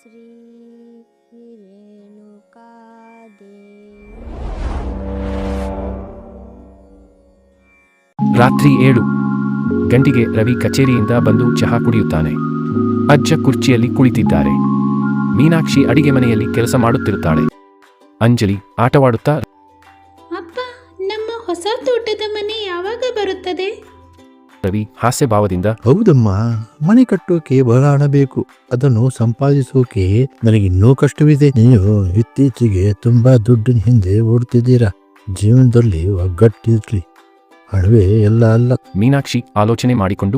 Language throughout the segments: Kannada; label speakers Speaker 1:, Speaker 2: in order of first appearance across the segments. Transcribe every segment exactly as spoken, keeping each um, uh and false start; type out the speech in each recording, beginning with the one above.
Speaker 1: ಶ್ರೀ ರೇಣುಕಾದೇವಿ.
Speaker 2: ರಾತ್ರಿ ಏಳು ಗಂಟೆಗೆ ರವಿ ಕಚೇರಿಯಿಂದ ಬಂದು ಚಹಾ ಕುಡಿಯುತ್ತಾನೆ. ಅಜ್ಜ ಕುರ್ಚಿಯಲ್ಲಿ ಕುಳಿತಿದ್ದಾರೆ. ಮೀನಾಕ್ಷಿ ಅಡಿಗೆ ಮನೆಯಲ್ಲಿ ಕೆಲಸ ಮಾಡುತ್ತಿರುತ್ತಾಳೆ. ಅಂಜಲಿ ಆಟವಾಡುತ್ತಾ,
Speaker 3: ಅಪ್ಪ, ನಮ್ಮ ಹೊಸ ತೋಟದ ಮನೆ ಯಾವಾಗ ಬರುತ್ತದೆ?
Speaker 2: ರವಿ ಹಾಸ್ಯಭಾವದಿಂದ,
Speaker 4: ಹೌದಮ್ಮ, ಮನೆ ಕಟ್ಟೋಕೆ ಬಹಳ ಹಣ ಬೇಕು. ಅದನ್ನು ಸಂಪಾದಿಸೋಕೆ ನನಗಿನ್ನೂ ಕಷ್ಟವಿದೆ. ನೀವು ಇತ್ತೀಚೆಗೆ ತುಂಬಾ ದುಡ್ಡಿನ ಹಿಂದೆ ಓಡ್ತಿದ್ದೀರಾ. ಜೀವನದಲ್ಲಿ ಒಗ್ಗಟ್ಟಿರ್ಲಿ, ಹಣವೇ ಎಲ್ಲ ಅಲ್ಲ.
Speaker 2: ಮೀನಾಕ್ಷಿ ಆಲೋಚನೆ ಮಾಡಿಕೊಂಡು,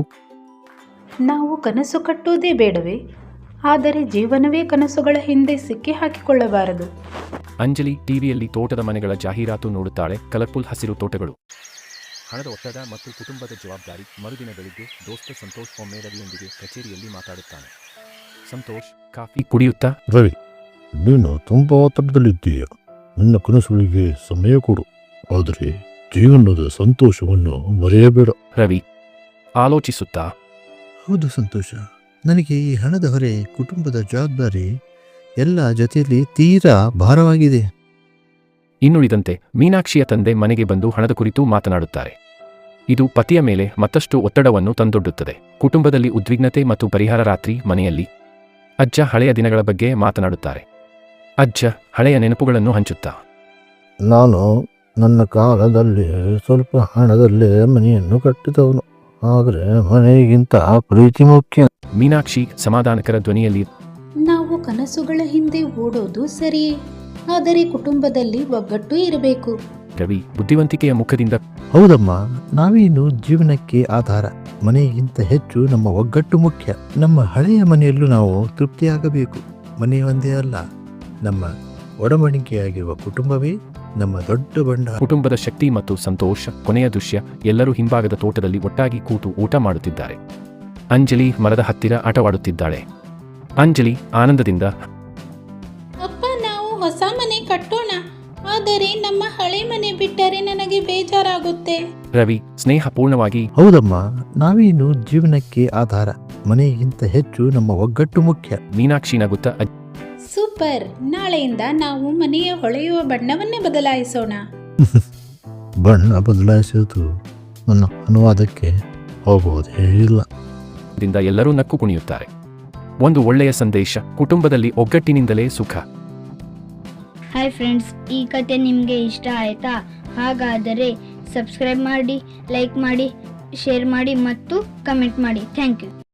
Speaker 3: ನಾವು ಕನಸು ಕಟ್ಟುವುದೇ ಬೇಡವೇ? ಆದರೆ ಜೀವನವೇ ಕನಸುಗಳ ಹಿಂದೆ ಸಿಕ್ಕಿ ಹಾಕಿಕೊಳ್ಳಬಾರದು.
Speaker 2: ಅಂಜಲಿ ಟಿವಿಯಲ್ಲಿ ತೋಟದ ಮನೆಗಳ ಜಾಹೀರಾತು ನೋಡುತ್ತಾಳೆ. ಕಲರ್ಫುಲ್ ಹಸಿರು ತೋಟಗಳು, ಹಣದ ಒತ್ತಡ ಮತ್ತು ಕುಟುಂಬದ ಜವಾಬ್ದಾರಿ. ಮರುದಿನ ಬೆಳಿಗ್ಗೆ ದೋಸ್ತ ಸಂತೋಷ್ ಒಮ್ಮೆ ರವಿಯೊಂದಿಗೆ ಕಚೇರಿಯಲ್ಲಿ ಮಾತಾಡುತ್ತಾನೆ. ಸಂತೋಷ್ ಕಾಫಿ ಕುಡಿಯುತ್ತಾ,
Speaker 4: ರವಿ, ನೀನು ತುಂಬಾ ಒತ್ತಡದಲ್ಲಿದ್ದೀಯ. ನಿನ್ನ ಕನಸುಗಳಿಗೆ ಸಮಯ ಕೊಡು, ಆದರೆ ಜೀವನದ ಸಂತೋಷವನ್ನು ಮರೆಯಬೇಡ.
Speaker 2: ರವಿ ಆಲೋಚಿಸುತ್ತಾ,
Speaker 4: ಹೌದು ಸಂತೋಷ, ನನಗೆ ಈ ಹಣದ ಹೊರೆ, ಕುಟುಂಬದ ಜವಾಬ್ದಾರಿ ಎಲ್ಲ ಜೊತೆಯಲ್ಲಿ ತೀರಾ ಭಾರವಾಗಿದೆ.
Speaker 2: ಇನ್ನುಳಿದಂತೆ ಮೀನಾಕ್ಷಿಯ ತಂದೆ ಮನೆಗೆ ಬಂದು ಹಣದ ಕುರಿತು ಮಾತನಾಡುತ್ತಾರೆ. ಇದು ಪತಿಯ ಮೇಲೆ ಮತ್ತಷ್ಟು ಒತ್ತಡವನ್ನು ತಂದೊಡ್ಡುತ್ತದೆ. ಕುಟುಂಬದಲ್ಲಿ ಉದ್ವಿಗ್ನತೆ ಮತ್ತು ಪರಿಹಾರ. ರಾತ್ರಿ ಮನೆಯಲ್ಲಿ ಅಜ್ಜ ಹಳೆಯ ದಿನಗಳ ಬಗ್ಗೆ ಮಾತನಾಡುತ್ತಾರೆ. ಅಜ್ಜ ಹಳೆಯ ನೆನಪುಗಳನ್ನು ಹಂಚುತ್ತಾ,
Speaker 4: ನಾನು ನನ್ನ ಕಾಲದಲ್ಲಿ ಸ್ವಲ್ಪ ಹಣದಲ್ಲೇ ಮನೆಯನ್ನು ಕಟ್ಟಿದವನು, ಆದರೆ ಮನೆಗಿಂತ ಪ್ರೀತಿ ಮುಖ್ಯ.
Speaker 2: ಮೀನಾಕ್ಷಿ ಸಮಾಧಾನಕರ ಧ್ವನಿಯಲ್ಲಿ,
Speaker 3: ನಾವು ಕನಸುಗಳ ಹಿಂದೆ ಓಡೋದು ಸರಿಯೇ, ಆದರೆ ಕುಟುಂಬದಲ್ಲಿ ಒಗ್ಗಟ್ಟು ಇರಬೇಕು.
Speaker 2: ರವಿ ಬುದ್ಧಿವಂತಿಕೆಯ ಮುಖದಿಂದ,
Speaker 4: ಹೌದಮ್ಮ, ನಾವೇನು ಜೀವನಕ್ಕೆ ಆಧಾರ. ಮನೆಗಿಂತ ಹೆಚ್ಚು ನಮ್ಮ ಒಗ್ಗಟ್ಟು ಮುಖ್ಯ. ನಮ್ಮ ಹಳೆಯ ಮನೆಯಲ್ಲೂ ನಾವು ತೃಪ್ತಿಯಾಗಬೇಕು. ಮನೆ ಒಂದೇ ಅಲ್ಲ, ನಮ್ಮ ಒಡಂಬಡಿಕೆಯಾಗಿರುವ ಕುಟುಂಬವೇ ನಮ್ಮ ದೊಡ್ಡ ಬಂಡವಾಳ.
Speaker 2: ಕುಟುಂಬದ ಶಕ್ತಿ ಮತ್ತು ಸಂತೋಷ. ಕೊನೆಯ ದೃಶ್ಯ, ಎಲ್ಲರೂ ಹಿಂಭಾಗದ ತೋಟದಲ್ಲಿ ಒಟ್ಟಾಗಿ ಕೂತು ಊಟ ಮಾಡುತ್ತಿದ್ದಾರೆ. ಅಂಜಲಿ ಮರದ ಹತ್ತಿರ ಆಟವಾಡುತ್ತಿದ್ದಾಳೆ. ಅಂಜಲಿ ಆನಂದದಿಂದ,
Speaker 3: ಅಪ್ಪ, ನಾವು ಹೊಸ ಮನೆ ಕಟ್ಟೋಣ, ಆದರೆ ನಮ್ಮ ಹಳೆ ಮನೆ ಬಿಟ್ಟರೆ ನನಗೆ ಬೇಜಾರಾಗುತ್ತೆ.
Speaker 2: ರವಿ ಸ್ನೇಹಪೂರ್ಣವಾಗಿ,
Speaker 4: ಹೌದಮ್ಮ, ನಾವೇನು ಜೀವನಕ್ಕೆ ಆಧಾರ. ಮನೆಗಿಂತ ಹೆಚ್ಚು ನಮ್ಮ ಒಗ್ಗಟ್ಟು ಮುಖ್ಯ.
Speaker 2: ಮೀನಾಕ್ಷಿ ನಗುತ್ತಾ,
Speaker 3: ಸೂಪರ್, ನಾಳೆಯಿಂದ ನಾವು ಮನೆಯ ಹೊಳೆಯುವ ಬಣ್ಣವನ್ನೇ ಬದಲಾಯಿಸೋಣ.
Speaker 4: ಬಣ್ಣ ಬದಲಾಯಿಸೋದು ನನ್ನ ಅನುವಾದಕ್ಕೆ ಹೋಗುವುದೇ ಇಲ್ಲ.
Speaker 2: ದಿಂದ ಎಲ್ಲರೂ ನಕ್ಕು ಕುಣಿಯುತ್ತಾರೆ. ಒಂದು ಒಳ್ಳೆಯ ಸಂದೇಶ, ಕುಟುಂಬದಲ್ಲಿ ಒಗ್ಗಟ್ಟಿನಿಂದಲೇ ಸುಖ.
Speaker 5: ಹಾಯ್ ಫ್ರೆಂಡ್ಸ್, ಈ ಕತೆ ನಿಮಗೆ ಇಷ್ಟ ಆಯ್ತಾ? ಹಾಗಾದರೆ ಸಬ್ಸ್ಕ್ರೈಬ್ ಮಾಡಿ, ಲೈಕ್ ಮಾಡಿ, ಶೇರ್ ಮಾಡಿ ಮತ್ತು ಕಮೆಂಟ್ ಮಾಡಿ. Thank you.